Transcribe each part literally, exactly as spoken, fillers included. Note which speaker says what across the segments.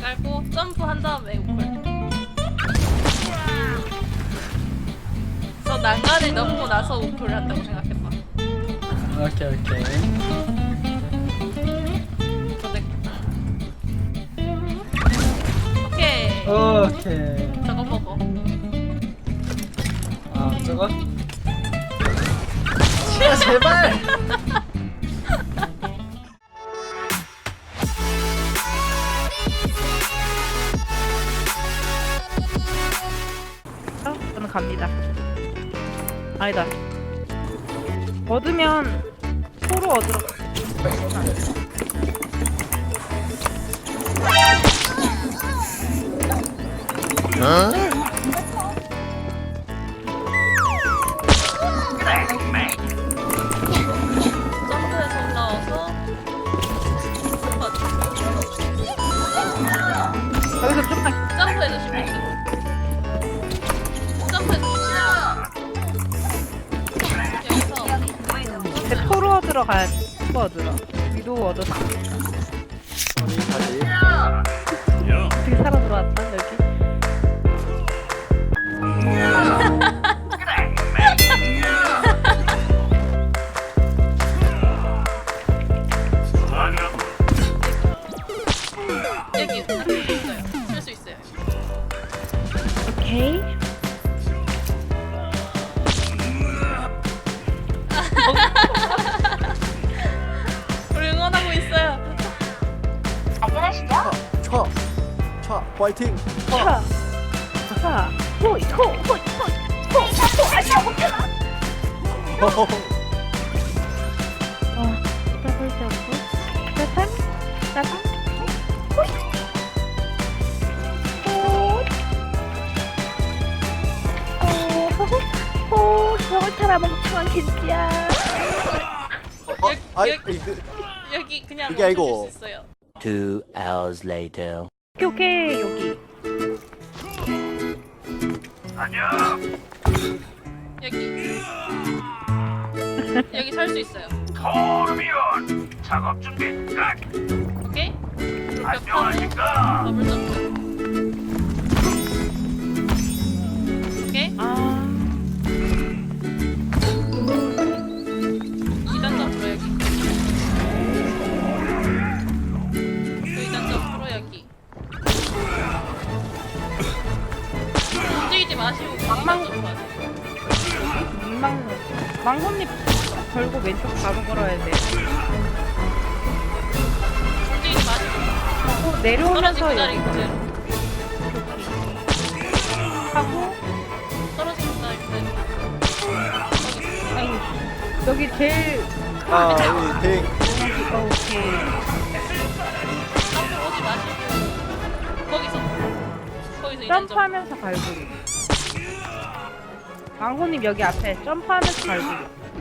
Speaker 1: 깔고 점프 한 다음에 우클. 저 난간을 넘고 나서 우클을 한다고 생각해봐.
Speaker 2: 오케이 오케이.
Speaker 1: 저 내... 오케이.
Speaker 2: 오케이.
Speaker 1: 저거 먹어.
Speaker 2: 아 저거? 아 제발.
Speaker 3: 어? 저는 갑니다. 아니다. 얻으면 포로 얻으러 가.
Speaker 1: 점프해서 올라와서
Speaker 3: 여기서 좀만
Speaker 1: 점프해서 시프트. 점프해서 시프트.
Speaker 3: 내 포로 얻으러 가야지. 포로 얻으러. 위도 얻었어.
Speaker 2: 우리 다시.
Speaker 3: 어떻게 살아 들어왔다 여기?
Speaker 1: 여기 쓸 수 있어요. 쓸 수 있어요.
Speaker 3: 오케이.
Speaker 1: 우리 응원하고 있어요.
Speaker 2: 차. 차. 파이팅.
Speaker 3: 차. 차. 호이 호 호이 호이 호. 호. 아니야 못해나. 어. 더블 점프. 짜잔. 짜잔. 호이. 호. 호. 호. 저걸 타라 멍청한 겐지야.
Speaker 2: 어,
Speaker 1: 여기,
Speaker 2: 아이
Speaker 1: 여기,
Speaker 2: 이거
Speaker 1: 여기 그냥
Speaker 2: 이게 아니고.
Speaker 1: 멈춰줄 수 있어요.
Speaker 4: Two hours later.
Speaker 3: 오케이 오케이 여기.
Speaker 1: 여기. 여기 살 수 있어요.
Speaker 5: 토르비온 작업 준비 끝.
Speaker 1: 오케이? 그리고
Speaker 5: 안녕하십니까.
Speaker 1: 더블 점프. 오케이?
Speaker 3: 아.
Speaker 1: 이 단 점프로 여기. 그 이 단 점프로 여기. 움직이지 마시고
Speaker 3: 망망-
Speaker 1: 이 단 점프 하세요.
Speaker 3: 망 망혼잎 걸고 왼쪽 바로 걸어야 돼.
Speaker 1: 움직이지 마시고
Speaker 3: 하고
Speaker 1: 떨어진
Speaker 3: 내려오면서
Speaker 1: 그 자리
Speaker 3: 여기
Speaker 1: 그대로.
Speaker 3: 하고
Speaker 1: 떨어진 그 자리 그대로.
Speaker 3: 아니 여기 제일
Speaker 2: 아 우리 댕.
Speaker 3: 어, 오케이.
Speaker 1: 앞으로 오지 마시고 거기서 거기서 이 단 점프.
Speaker 3: 점프하면서 갈고리. 망혼잎 여기 앞에 점프하면서 갈고리.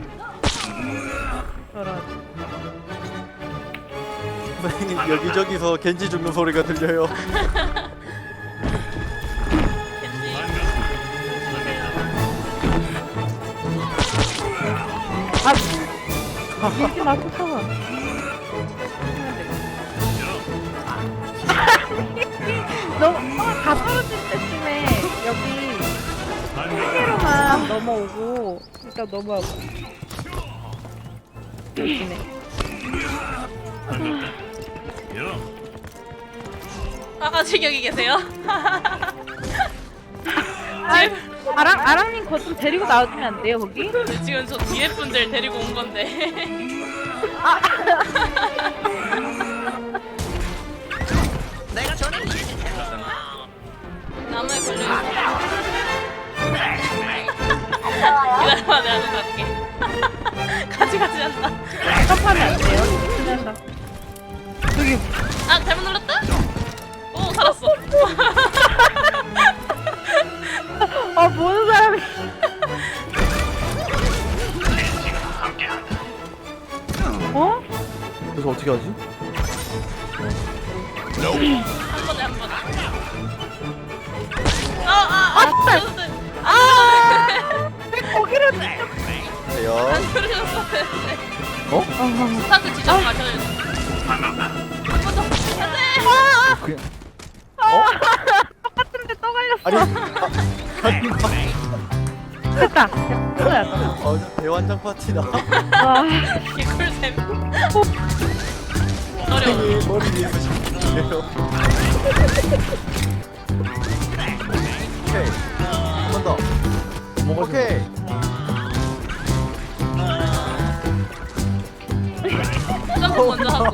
Speaker 3: 저런.
Speaker 2: 선생님 여기저기서 겐지 죽는 소리가 들려요.
Speaker 1: 겐지.
Speaker 3: 아 밀지 마 쫓아가. 너무 어, 다 떨어질 때쯤에 여기 세 개로만 넘어오고 일단 넘어가고 여기네.
Speaker 1: 아가씨 여기 계세요?
Speaker 3: 아, 아랑 아랑님 거 좀 데리고 나와주면 안 돼요 거기?
Speaker 1: 지금 저 뒤에 분들 데리고 온 건데. 나무에 걸려 있어. 기다려봐, 내가 좀 갈게. 가지 가지 한다.
Speaker 3: 점프하면 안 돼요. 그래서 여기
Speaker 1: 아 잘못 눌렀다? 오 살았어.
Speaker 3: 아 모든 사람이 어?
Speaker 2: 그래서 어떻게 하지?
Speaker 1: 한 번에 한 번에. 아아아 아,
Speaker 3: 아 거기를
Speaker 2: 돼요.
Speaker 1: 안 누르셨어야 되는데.
Speaker 2: 어?
Speaker 1: 스타트 지점 가셔야 돼. 한번 더. 안돼.
Speaker 2: 그냥
Speaker 3: 똑같은데 또 걸렸어.
Speaker 2: 아니 아, 아니
Speaker 3: 됐다. 됐어요.
Speaker 2: 어, 대환장 파티다.
Speaker 3: 와.
Speaker 1: 개꿀잼. 어려워.
Speaker 2: 이 머리 위에서 시키네요. 오케이 한 번 더. 오케이.
Speaker 1: 점프 먼저 하고.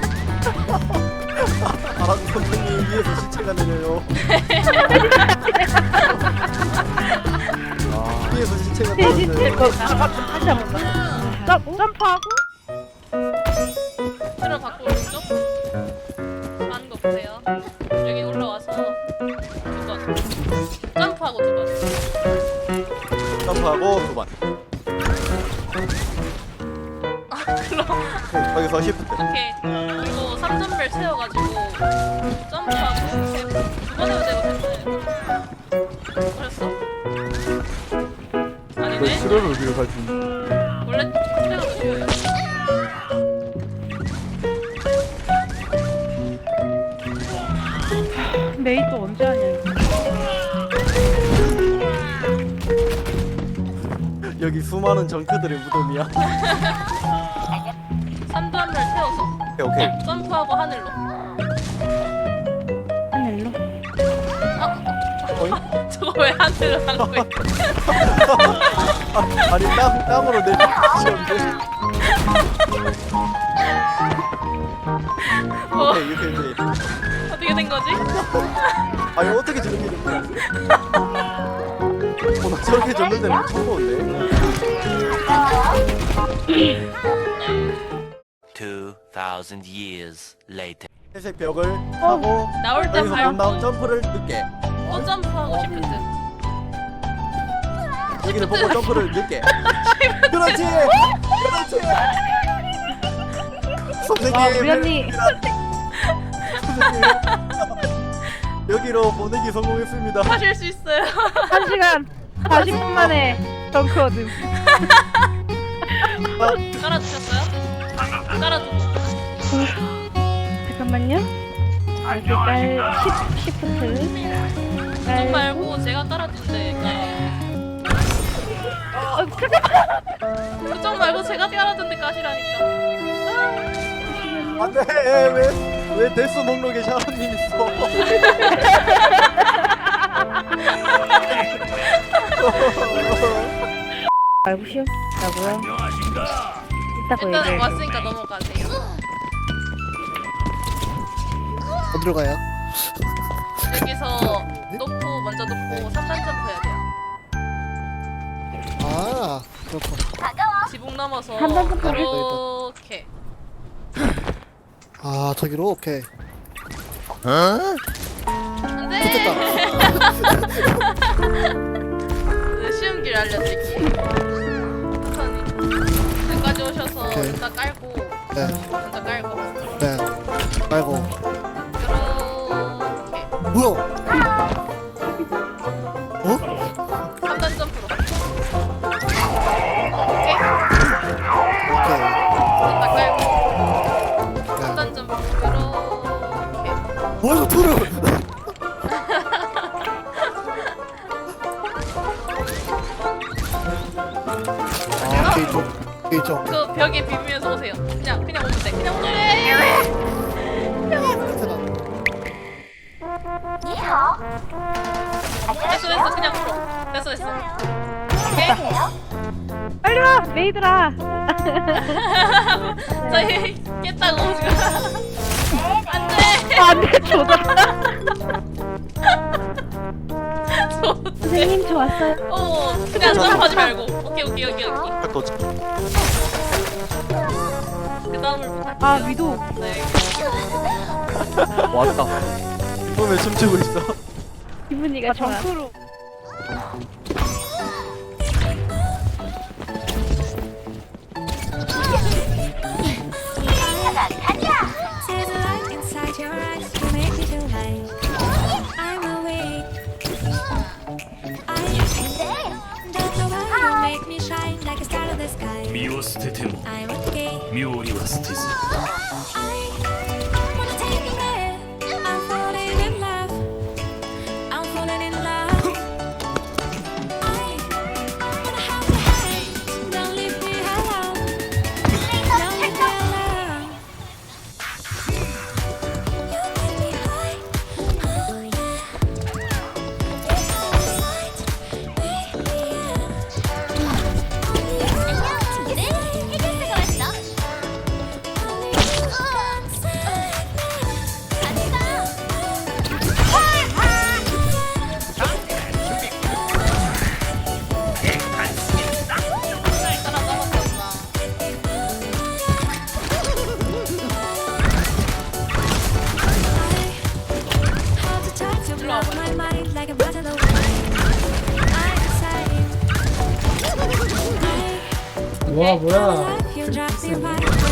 Speaker 2: 아 선생님 위에서 시체가 내려요. 아, 위에서 시체가
Speaker 3: 돼지
Speaker 2: 내려요.
Speaker 3: 거 다시 한 번 더. 점 점프하고.
Speaker 1: 틀어 바꿔 오른쪽. 하는 거 보세요. 여기 올라와서 두 번. 점프하고 두 번.
Speaker 2: 점프하고 두 번.
Speaker 1: 아 그럼.
Speaker 2: 오케이, 거기서 시프트.
Speaker 1: 오케이. 그리고 삼 점벨 채워가지고 점프하고 세 번. 두 번 해도 되고 됐네. 그랬어? 아니네.
Speaker 2: 수련을 어디로 갈지.
Speaker 1: 원래 그대로 쉬워요.
Speaker 3: 메이 또 언제 하냐 이거.
Speaker 2: 여기 수많은 정크들의 무덤이야.
Speaker 1: 삼 점벨 채워서
Speaker 2: 오케이 오케이.
Speaker 1: 점프하고 하늘로.
Speaker 3: 하늘로.
Speaker 2: 어이?
Speaker 1: 저거 왜 하늘로 하는 거야?
Speaker 2: 아, 아니 땅 땅으로 내리시는데.
Speaker 1: 뭐
Speaker 2: 오케이 이렇게 이제.
Speaker 1: 어떻게 된 거지?
Speaker 2: 아니 어떻게 저렇게 된 거야? 어, 나 저렇게 젖는 데는 처음 보는데.
Speaker 4: Two thousand years later.
Speaker 2: 회색 벽을 하고
Speaker 1: 나올 때
Speaker 2: 여기서 못 나온
Speaker 1: 밟고
Speaker 2: 점프를 늦게.
Speaker 1: 또 점프하고 시프트.
Speaker 2: 여기를 보고 점프를 늦게. 그렇지. 그렇지. 선생님.
Speaker 3: 와, 우리 언니.
Speaker 2: 선생님. 여기로 보내기 성공했습니다.
Speaker 1: 하실 수 있어요.
Speaker 3: 한 시간 사십 분 만에 덩크 얻음.
Speaker 1: 깔아주셨어요? 깔아주고.
Speaker 3: 잠깐만요. 여기 깔 십, 시프트.
Speaker 1: 그쪽
Speaker 3: 깔.
Speaker 1: 말고 제가 깔아준대.
Speaker 3: 어, 잠깐.
Speaker 1: 그쪽 말고 제가 깔아준대 까시라니까.
Speaker 2: 안돼. 왜왜 데스 목록에 샤오님 있어?
Speaker 3: 말고 쉬었다고요?
Speaker 5: 안녕하신가?
Speaker 3: 이따가
Speaker 1: 일단
Speaker 3: 얘기해.
Speaker 1: 왔으니까 넘어가세요.
Speaker 2: 어디로 가요?
Speaker 1: 여기서 놓고 먼저 놓고 삼 단 점프 해야 돼요.
Speaker 2: 아 그렇군.
Speaker 1: 지붕 넘어서
Speaker 3: 삼 단 점프
Speaker 1: 이렇게.
Speaker 2: 아 저기로 오케이.
Speaker 1: 안돼. 네, 쉬운 길 알려드릴게요. 천천히. 여기까지 오셔서
Speaker 2: 오케이.
Speaker 1: 일단 깔고
Speaker 2: 네.
Speaker 1: 먼저 깔고
Speaker 2: 네. 아이고.
Speaker 1: 이렇게
Speaker 2: 뭐야? 어?
Speaker 1: 삼 단 점프로. 오케이.
Speaker 2: 오케이.
Speaker 1: 일단 깔고 삼
Speaker 2: 네.
Speaker 1: 단 점프 이렇게.
Speaker 2: 뭐야 토르? 아 게이죠. 게이죠.
Speaker 1: 그 벽에 비비면서 오세요. 그냥 그냥 오면 돼. 그냥 오면 돼. 됐어 됐어 그냥 풀어. 됐어 됐어. 오케이.
Speaker 3: 빨리 와, 메이들아.
Speaker 1: 저희 깼다고 지금. 안돼.
Speaker 3: 아, 안돼, 조졌다.
Speaker 1: 저-
Speaker 3: 선생님 좋았어요.
Speaker 1: 어 그냥 점프하지 말고. 오케이 오케이 오케이 오케이.
Speaker 2: 도착.
Speaker 1: 그 다음을 부탁.
Speaker 3: 아, 위도.
Speaker 1: 네.
Speaker 2: 왔다. 왜 춤추고 있어?
Speaker 3: 기분이가 좋아. 정크로.
Speaker 6: There's a light inside your eyes, you make me feel high. I'm awake. I don't know why you make me shine like a star in the sky.
Speaker 5: 身を捨てても
Speaker 6: I'm okay.
Speaker 5: 身をりは捨てず
Speaker 6: I wanna take you there. I'm falling in love. my mind like a bottle of wine. I'm excited. I
Speaker 7: 와 뭐야
Speaker 6: love you, drop me right.